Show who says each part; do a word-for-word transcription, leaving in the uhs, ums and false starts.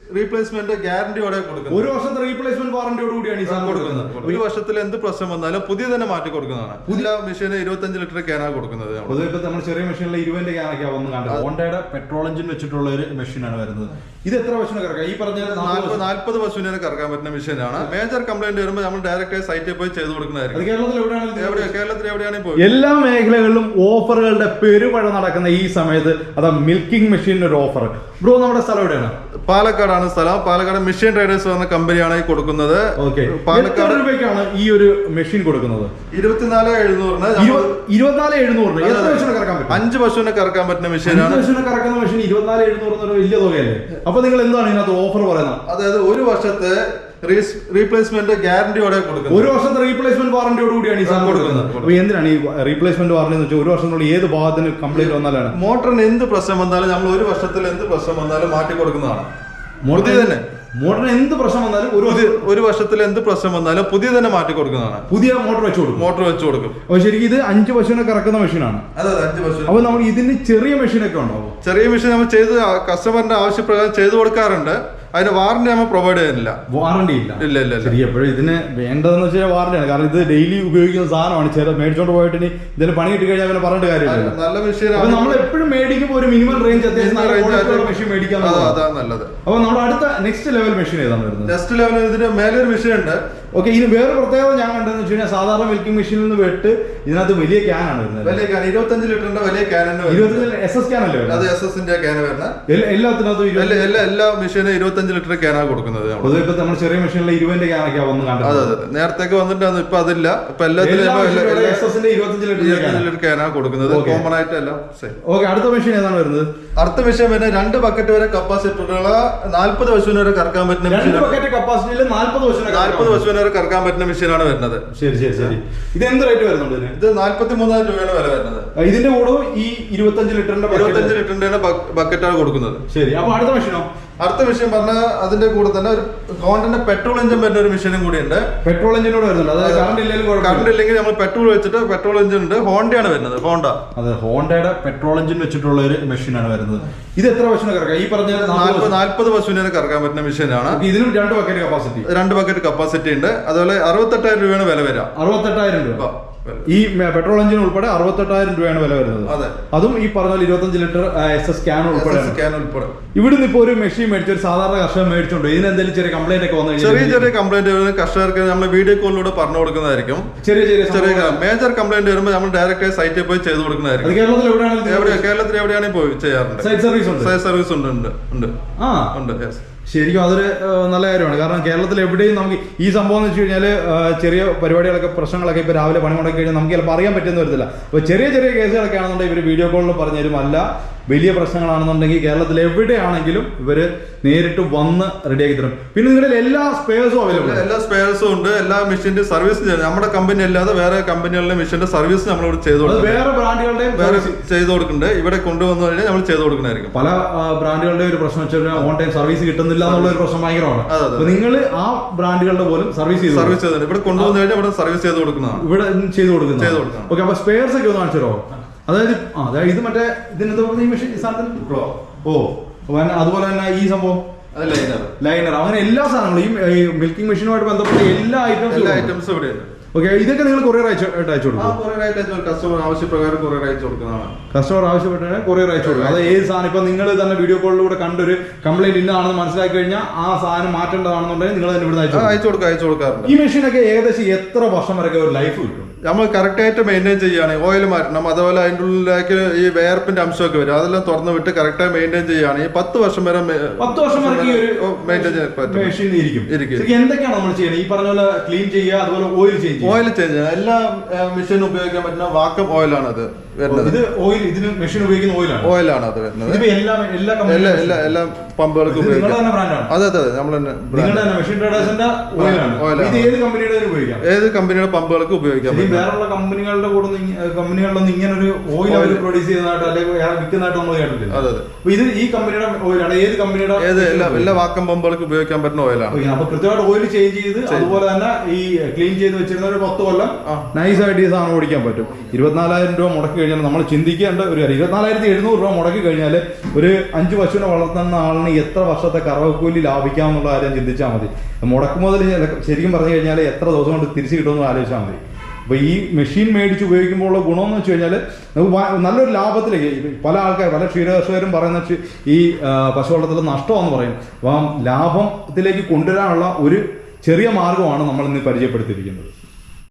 Speaker 1: Replacement ഗ്യാരണ്ടിയോടെ കൊടുക്കുന്നത്.
Speaker 2: ഒരു വർഷത്തെ റീപ്ലേസ്മെന്റ് വാറന്റിയോട് കൂടിയാണ് ഈ സാധനം കൊടുക്കുന്നത്.
Speaker 1: ഒരു വർഷത്തിൽ എന്ത് പ്രശ്നം വന്നാലും പുതിയ തന്നെ മാറ്റി കൊടുക്കുന്നതാണ്. പുതിയ മെഷീന് ഇരുപത്തഞ്ച് ലിറ്റർ ക്യാനാണ് കൊടുക്കുന്നത്.
Speaker 2: പൊതുവെ ഇപ്പൊ നമ്മൾ ചെറിയ മെഷീനിലെ ഇരുപതിന്റെ ക്യാനൊക്കെ വന്ന് കണ്ടത് ഹോണ്ടയുടെ പെട്രോൾ എഞ്ചിൻ വെച്ചിട്ടുള്ള ഒരു മെഷീനാണ് വരുന്നത്. ഇത് എത്ര പശുവിനെ കറക്കാം? ഈ പറഞ്ഞ
Speaker 1: നാൽപ്പത് പശുവിനെ കറക്കാൻ പറ്റുന്ന മെഷീനാണ്. മേജർ കംപ്ലൈന്റ് വരുമ്പോൾ നമ്മൾ ഡയറക്റ്റ് സൈറ്റിൽ പോയി ചെയ്ത് കൊടുക്കുന്നതായിരിക്കും. കേരളത്തിൽ എവിടെയാണെങ്കിൽ പോയി
Speaker 2: എല്ലാ മേഖലകളിലും ഓഫറുകളുടെ പെരുമഴ നടക്കുന്ന ഈ സമയത്ത് അതാ മിൽക്കിംഗ് മെഷീനിന് ഒരു ഓഫർ. ബ്രോ, നമ്മുടെ സ്ഥലം എവിടെയാണ്?
Speaker 1: പാലക്കാടാണ് സ്ഥലം. പാലക്കാട് മെഷീൻ ട്രേഡേഴ്സ് എന്ന കമ്പനിയാണ് ഈ കൊടുക്കുന്നത്.
Speaker 2: പാലക്കാട് രൂപയ്ക്കാണ് ഈ ഒരു മെഷീൻ കൊടുക്കുന്നത്.
Speaker 1: ഇരുപത്തിനാല് എഴുന്നൂറിന്
Speaker 2: ഇരുപത്തിനാല് എഴുന്നൂറിന് എത്ര പശുവിനെ കറക്കാൻ പറ്റും?
Speaker 1: അഞ്ച് പശുവിനെ കറക്കാൻ പറ്റുന്ന മെഷീനാണ്.
Speaker 2: പശുവിനെ കറക്കുന്ന മെഷീൻ ഇരുപത്തിനാല് എഴുന്നൂറ് എന്നൊരു വലിയ തുകയല്ലേ? അപ്പൊ നിങ്ങൾ എന്താണ് ഇതിനകത്ത് ഓഫർ പറയുന്നത്?
Speaker 1: അതായത് ഒരു വർഷത്തെ റീപ്ലേസ്മെന്റ് ഗ്യാരണ്ടിയോടെ കൊടുക്കുന്നത്.
Speaker 2: ഒരു വർഷത്തെ റീപ്ലേസ്മെന്റ് വാറന്റിയോട് കൂടിയാണ് ഈ സാധനം കൊടുക്കുന്നത്. അപ്പൊ എന്തിനാണ് ഈ റീപ്ലേസ്മെന്റ് വാറന്റി എന്ന് വെച്ചാൽ ഒരു വർഷത്തിനുള്ളിൽ ഏത് ഭാഗത്തിന് കംപ്ലൈന്റ് വന്നാലാണ്?
Speaker 1: മോട്ടറിന് എന്ത് പ്രശ്നം വന്നാലും നമ്മൾ ഒരു വർഷത്തിൽ എന്ത് പ്രശ്നം വന്നാലും മാറ്റി കൊടുക്കുന്നതാണ്. പുതിയ തന്നെ
Speaker 2: മോട്ടറിന് എന്ത് പ്രശ്നം വന്നാലും ഒരു
Speaker 1: ഒരു വർഷത്തിൽ എന്ത് പ്രശ്നം വന്നാലും പുതിയ തന്നെ മാറ്റി കൊടുക്കുന്നതാണ്.
Speaker 2: പുതിയ മോട്ടർ വെച്ച് കൊടുക്കും.
Speaker 1: മോട്ടർ വെച്ച് കൊടുക്കും.
Speaker 2: അപ്പൊ ശരിക്കും ഇത് അഞ്ച് പശുവിനെ കറക്കുന്ന മെഷീനാണ്.
Speaker 1: അതെ, അഞ്ച് പശു.
Speaker 2: അപ്പൊ നമ്മൾ ഇതിന് ചെറിയ മെഷീനൊക്കെ ഉണ്ടാവും.
Speaker 1: ചെറിയ മെഷീൻ നമ്മൾ ചെയ്ത് കസ്റ്റമറിന്റെ ആവശ്യപ്രകാരം ചെയ്തു കൊടുക്കാറുണ്ട്. അതിന് വാറന്റി നമ്മൾ പ്രൊവൈഡ് ചെയ്യുന്നില്ല.
Speaker 2: വാറന്റി ഇല്ല.
Speaker 1: ഇല്ല ഇല്ല
Speaker 2: ശരി. എപ്പോഴും ഇതിന് വേണ്ടതെന്ന് വെച്ചാൽ വാറന്റിയാണ്. കാരണം ഇത് ഡെയിലി ഉപയോഗിക്കുന്ന സാധനമാണ്. ചെറിയ മേടിച്ചോണ്ട് പോയിട്ട് ഇനി ഇതിന് പണി കിട്ടി കഴിഞ്ഞാൽ പിന്നെ പറഞ്ഞിട്ട് കാര്യമില്ല.
Speaker 1: നല്ല മെഷീൻ.
Speaker 2: അപ്പൊ നമ്മൾ എപ്പോഴും മേടിക്കുമ്പോൾ ഒരു മിനിമം റേഞ്ച് അത്യാവശ്യം മെഷീൻ മേടിക്കാൻ.
Speaker 1: അതാണ് നല്ലത്.
Speaker 2: അപ്പൊ നമ്മുടെ അടുത്ത നെക്സ്റ്റ് ലെവൽ മെഷീൻ ഏതാണ് വരുന്നത്?
Speaker 1: നെക്സ്റ്റ് ലെവൽ ഇതിന് മേലൊരു മെഷീൻ ഉണ്ട്.
Speaker 2: ഓക്കെ. ഇനി വേറെ പ്രത്യേകത ഞാൻ കണ്ടതെന്ന് വെച്ച് കഴിഞ്ഞാൽ സാധാരണ മിൽക്കിംഗ് മെഷീനിൽ നിന്ന് വെട്ട് ഇതിനകത്ത് വലിയ ക്യാനാണ് വരുന്നത്.
Speaker 1: വലിയ ക്യാൻ ഇരുപത്തഞ്ച് ലിറ്ററിന്റെ വലിയ ക്യാൻ.
Speaker 2: ഇരുപത്തഞ്ച് എസ് എസ് ക്യാൻ അല്ലേ?
Speaker 1: അത് എസ് എസിന്റെ ക്യാൻ വരുന്നത്.
Speaker 2: എല്ലാത്തിനകത്തും
Speaker 1: എല്ലാ എല്ലാ മെഷീനും ഇരുപത്തഞ്ച് ലിറ്റർ ക്യാനാണ് കൊടുക്കുന്നത്.
Speaker 2: പൊതുവെ ഇപ്പൊ നമ്മൾ ചെറിയ മെഷീനിലെ ഇരുപതിന്റെ ക്യാനൊക്കെ വന്ന് കണ്ടത്.
Speaker 1: അതെ അതെ, നേരത്തേക്ക് വന്നിട്ടാണ്. ഇപ്പൊ അതില്ല. ഇപ്പൊ എല്ലാത്തിലും ഇരുപത്തഞ്ച് ലിറ്റർ ക്യാനാണ് കൊടുക്കുന്നത്. കോമൺ ആയിട്ട് എല്ലാം.
Speaker 2: ഓക്കെ. അടുത്ത മെഷീൻ ഏതാണ് വരുന്നത്?
Speaker 1: അടുത്ത മെഷീൻ വരുന്നത് രണ്ട് ബക്കറ്റ് വരെ കപ്പാസിറ്റിയുള്ള നാല്പത് പശുവിനെ വരെ കറക്കാൻ പറ്റുന്ന മെഷീൻ.
Speaker 2: കപ്പാസിറ്റിയിൽ നാല്പത്
Speaker 1: നാല്പത് പശുവിനെ വരെ കറക്കാൻ പറ്റുന്ന മെഷീനാണ് വരുന്നത്.
Speaker 2: ശരി ശരി ശരി. ഇത് എന്ത് റേറ്റ് വരുന്നുണ്ട്?
Speaker 1: ഇത് നാല്പത്തി മൂന്നായിരം രൂപയാണ് വില വരുന്നത്.
Speaker 2: ഇതിന്റെ കൂടെ ഈ ഇരുപത്തഞ്ച് ലിറ്ററിന്റെ
Speaker 1: ഇരുപത്തഞ്ച് ലിറ്ററിന്റെ ബക്കറ്റാണ് കൊടുക്കുന്നത്.
Speaker 2: ശരി. അപ്പൊ അടുത്ത മെഷീനോ?
Speaker 1: അടുത്ത മെഷീൻ പറഞ്ഞാൽ അതിന്റെ കൂടെ തന്നെ ഒരു ഹോണ്ടന്റെ പെട്രോൾ എഞ്ചിൻ വരുന്ന ഒരു മെഷീനും കൂടി ഉണ്ട്.
Speaker 2: പെട്രോൾ എഞ്ചിനോട് വരുന്നുണ്ട്. അതായത് കറണ്ട് ഇല്ലെങ്കിൽ
Speaker 1: കറണ്ട് ഇല്ലെങ്കിൽ നമ്മൾ പെട്രോൾ വെച്ചിട്ട് പെട്രോൾ എഞ്ചിൻ ഉണ്ട്. ഹോണ്ടയാണ് വരുന്നത്. ഹോണ്ട.
Speaker 2: അതെ, ഹോണ്ടയുടെ പെട്രോൾ എഞ്ചിൻ വെച്ചിട്ടുള്ള ഒരു മെഷീനാണ് വരുന്നത്. ഇത് എത്ര പശുവിനെ കറക്കാം? ഈ പറഞ്ഞ
Speaker 1: നാല്പത് പശുവിനെ കറക്കാൻ പറ്റുന്ന മെഷീനാണ്.
Speaker 2: ഇതിനും രണ്ട് ബക്കറ്റ് കപ്പാസിറ്റി
Speaker 1: രണ്ട് ബക്കറ്റ് കപ്പാസിറ്റി ഉണ്ട്. അതുപോലെ അറുപത്തെട്ടായിരം രൂപയാണ് വില വരിക.
Speaker 2: അറുപത്തെട്ടായിരം രൂപ. ഈ പെട്രോൾ എഞ്ചിൻ ഉൾപ്പെടെ അറുപത്തെട്ടായിരം രൂപയാണ് വില വരുന്നത്. അതും ഈ പറഞ്ഞ ഇരുപത്തഞ്ച് ലിറ്റർ എസ് എസ് ക്യാൻ ഉൾപ്പെടെ. ഇവിടുന്ന് ഇപ്പൊ ഒരു മെഷീൻ മേടിച്ച ഒരു സാധാരണ കർഷകർ മേടിച്ചോണ്ട് ഇതിന് എന്തെങ്കിലും ചെറിയ കംപ്ലൈന്റ് ഒക്കെ വന്നു?
Speaker 1: ചെറിയ ചെറിയ കംപ്ലൈന്റ് കർഷകർക്ക് നമ്മൾ വീഡിയോ കോളിലൂടെ പറഞ്ഞു കൊടുക്കുന്നതായിരിക്കും.
Speaker 2: ചെറിയ ചെറിയ ചെറിയ
Speaker 1: മേജർ കംപ്ലൈന്റ് വരുമ്പോൾ നമ്മൾ ഡയറക്റ്റ് സൈറ്റിൽ പോയി ചെയ്ത് കൊടുക്കുന്നതായിരിക്കും.
Speaker 2: കേരളത്തിൽ എവിടെയാണ്?
Speaker 1: കേരളത്തിൽ എവിടെയാണെങ്കിൽ പോയി ചെയ്യാറുണ്ട്.
Speaker 2: സൈറ്റ് സർവീസ് ഉണ്ട്.
Speaker 1: സൈറ്റ് സർവീസ് ഉണ്ട് ഉണ്ട് ഉണ്ട്
Speaker 2: ആ ഉണ്ട്. ശരിക്കും അതൊരു നല്ല കാര്യമാണ്. കാരണം കേരളത്തിൽ എവിടെയും നമുക്ക് ഈ സംഭവം എന്ന് വെച്ച് കഴിഞ്ഞാൽ ചെറിയ പരിപാടികളൊക്കെ പ്രശ്നങ്ങളൊക്കെ ഇപ്പോൾ രാവിലെ പണി മുടക്കി കഴിഞ്ഞാൽ നമുക്ക് ചിലപ്പോൾ അറിയാൻ പറ്റുന്ന വരത്തില്ല. അപ്പോൾ ചെറിയ ചെറിയ കേസുകളൊക്കെ ആണെന്നുണ്ടെങ്കിൽ ഇവർ വീഡിയോ കോളിൽ പറഞ്ഞു തരും. അല്ല വലിയ പ്രശ്നങ്ങളാണെന്നുണ്ടെങ്കിൽ കേരളത്തിൽ എവിടെയാണെങ്കിലും ഇവര് നേരിട്ട് വന്ന് റെഡിയാക്കി തരും. പിന്നെ നിങ്ങളുടെ എല്ലാ സ്പെയർസും അവൈലബിൾ.
Speaker 1: എല്ലാ സ്പെയർസും ഉണ്ട്. എല്ലാ മെഷീന്റെ സർവീസ് നമ്മുടെ കമ്പനി അല്ലാതെ വേറെ കമ്പനികളിലെ മെഷീന്റെ സർവീസ് നമ്മളിവിടെ ചെയ്തു കൊടുക്കും.
Speaker 2: വേറെ ബ്രാൻഡുകളുടെ
Speaker 1: വേറെ ചെയ്തു കൊടുക്കുന്നുണ്ട്. ഇവിടെ കൊണ്ടുവന്നു കഴിഞ്ഞാൽ നമ്മൾ ചെയ്തു കൊടുക്കുന്നതായിരിക്കും.
Speaker 2: പല ബ്രാൻഡുകളുടെ ഒരു പ്രശ്നം വെച്ചാൽ ഓൺ ടൈം സർവീസ് കിട്ടുന്നില്ല എന്നുള്ള ഒരു പ്രശ്നം ഭയങ്കരമാണ്. അപ്പൊ നിങ്ങൾ ആ ബ്രാൻഡുകളുടെ പോലും സർവീസ് ചെയ്ത്
Speaker 1: സർവീസ് ചെയ്ത് ഇവിടെ കൊണ്ടുവന്നു കഴിഞ്ഞാൽ ഇവിടെ സർവീസ് ചെയ്ത് കൊടുക്കുന്നതാണ്.
Speaker 2: ഇവിടെ ചെയ്ത് കൊടുക്കുന്നത് ചെയ്ത് കൊടുക്കണം. ഓക്കെ. അപ്പൊ സ്പെയർസ് ഒക്കെ ഒന്ന് കാണിച്ചോ. അതായത് അതായത് ഇത് മറ്റേ ഇതിനെന്താ ഈ മെഷീൻ സാധനത്തിന് ഓ അതുപോലെ തന്നെ ഈ സംഭവം ലൈനർ അങ്ങനെ എല്ലാ സാധനങ്ങളും ഈ മിൽക്കിംഗ് മെഷീനുമായിട്ട് ബന്ധപ്പെട്ട എല്ലാ ഐറ്റംസും ഐറ്റംസും ഇവിടെ ഉണ്ട്. ഓക്കെ. ഇതൊക്കെ നിങ്ങൾ കൊറിയർ അയച്ചു അയച്ചു കൊടുക്കും?
Speaker 1: കസ്റ്റമർ ആവശ്യപ്രകാരം കൊറിയർ അയച്ചു കൊടുക്കുന്നതാണ്.
Speaker 2: കസ്റ്റമർ ആവശ്യപ്പെട്ടാൽ കൊറിയർ അയച്ചു കൊടുക്കും. അത് ഏത് സാധനം ഇപ്പൊ നിങ്ങൾ തന്നെ വീഡിയോ കോളിലൂടെ കണ്ടൊരു കംപ്ലൈന്റ് ഇന്നതാണെന്ന് മനസ്സിലാക്കി കഴിഞ്ഞാൽ ആ സാധനം മാറ്റേണ്ടതാണെന്നുണ്ടെങ്കിൽ നിങ്ങൾ തന്നെ ഇവിടെ
Speaker 1: അയച്ചു കൊടുക്കുക അയച്ചു കൊടുക്കാറുണ്ട്.
Speaker 2: ഈ മെഷീനൊക്കെ ഏകദേശം എത്ര വർഷം വരെ ഒരു ലൈഫ് കിട്ടും?
Speaker 1: നമ്മൾ കറക്റ്റ് ആയിട്ട് മെയിൻറ്റെയിൻ ചെയ്യുകയാണെങ്കിൽ ഓയിൽ മാറ്റണം. അതുപോലെ അതിൻ്റെ ഉള്ളിലേക്ക് ഈ വേർപ്പിന്റെ അംശമൊക്കെ വരും. അതെല്ലാം തുറന്നു വിട്ട് കറക്റ്റായി മെയിൻറ്റെയിൻ ചെയ്യുകയാണെങ്കിൽ പത്ത് വർഷം വരെ
Speaker 2: പത്ത് വർഷം വരെ
Speaker 1: മെയിൻറ്റെയിൻ ചെയ്യാൻ പറ്റും.
Speaker 2: എന്തൊക്കെയാണ് നമ്മൾ ചെയ്യുന്നത്? ഈ പറഞ്ഞ പോലെ ക്ലീൻ ചെയ്യുക, അതുപോലെ ഓയിൽ ചേഞ്ച്
Speaker 1: ഓയിൽ ചേഞ്ച് ചെയ്യുക. എല്ലാ മെഷീനും ഉപയോഗിക്കാൻ പറ്റുന്ന വാക്കം ഓയിലാണ് അത് വരുന്നത്.
Speaker 2: ഇത് ഓയിൽ ഇതിന് മെഷീൻ ഉപയോഗിക്കുന്ന ഓയിലാണ്
Speaker 1: ഓയിലാണ് അത് വരുന്നത്.
Speaker 2: എല്ലാ
Speaker 1: എല്ലാ എല്ലാ പമ്പുകൾക്ക് ഉപയോഗിക്കാം. അതെ അതെ നമ്മൾ തന്നെ
Speaker 2: ഏത് കമ്പനിയുടെ
Speaker 1: ഏത് കമ്പനിയുടെ പമ്പുകൾക്ക് ഉപയോഗിക്കാം.
Speaker 2: വേറെ കമ്പനികളുടെ കൂടെ കമ്പനികളിലൊന്നും ഇങ്ങനെ ഒരു ഓയിൽ അവർ പ്രൊഡ്യൂസ് ചെയ്യുന്നതായിട്ട് അല്ലെങ്കിൽ വിൽക്കുന്നതായിട്ട് നമ്മൾ കേട്ടിട്ടില്ല.
Speaker 1: അതെ അതെ.
Speaker 2: ഇത് ഈ കമ്പനിയുടെ ഓയിലാണ്. ഏത് കമ്പനിയുടെ?
Speaker 1: ഏത് എല്ലാ എല്ലാ വാക്കം പമ്പുകൾക്ക് ഉപയോഗിക്കാൻ പറ്റുന്ന ഓയിലാണ്.
Speaker 2: അപ്പൊ കൃത്യമായിട്ട് ഓയിൽ ചേഞ്ച് ചെയ്ത് അതുപോലെ തന്നെ ഈ ക്ലീൻ ചെയ്ത് വെച്ചിരുന്ന ഒരു പത്ത് കൊല്ലം നൈസായിട്ട് ഈ സാധനം ഓടിക്കാൻ പറ്റും. ഇരുപത്തിനാലായിരം രൂപ മുടക്കി കഴിഞ്ഞാൽ നമ്മൾ ചിന്തിക്കേണ്ട ഒരു കാര്യം ഇരുപത്തിനാലായിരത്തി എഴുന്നൂറ് രൂപ മുടക്കി കഴിഞ്ഞാൽ ഒരു അഞ്ച് പശുവിനെ വളർത്തുന്ന ആളിന് എത്ര വർഷത്തെ കറവക്കൂലി ലാഭിക്കാം എന്നുള്ള കാര്യം ചിന്തിച്ചാൽ മതി. മുടക്കുമുതൽ ശരിക്കും പറഞ്ഞു കഴിഞ്ഞാൽ എത്ര ദിവസം കൊണ്ട് തിരിച്ചു കിട്ടുമെന്ന് ആലോചിച്ചാൽ മതി. അപ്പോൾ ഈ മെഷീൻ മേടിച്ച് ഉപയോഗിക്കുമ്പോൾ ഉള്ള ഗുണമെന്ന് വെച്ച് കഴിഞ്ഞാൽ നമുക്ക് നല്ലൊരു ലാഭത്തിലേക്ക് പല ആൾക്കാർ പല ക്ഷീരകർഷകരും പറയുന്ന ഈ പശു വളർത്തൽ നഷ്ടമാണെന്ന് പറയും. അപ്പം ലാഭത്തിലേക്ക് കൊണ്ടുവരാനുള്ള ഒരു ചെറിയ മാർഗമാണ് നമ്മൾ ഇന്ന് പരിചയപ്പെടുത്തിയിരിക്കുന്നത്.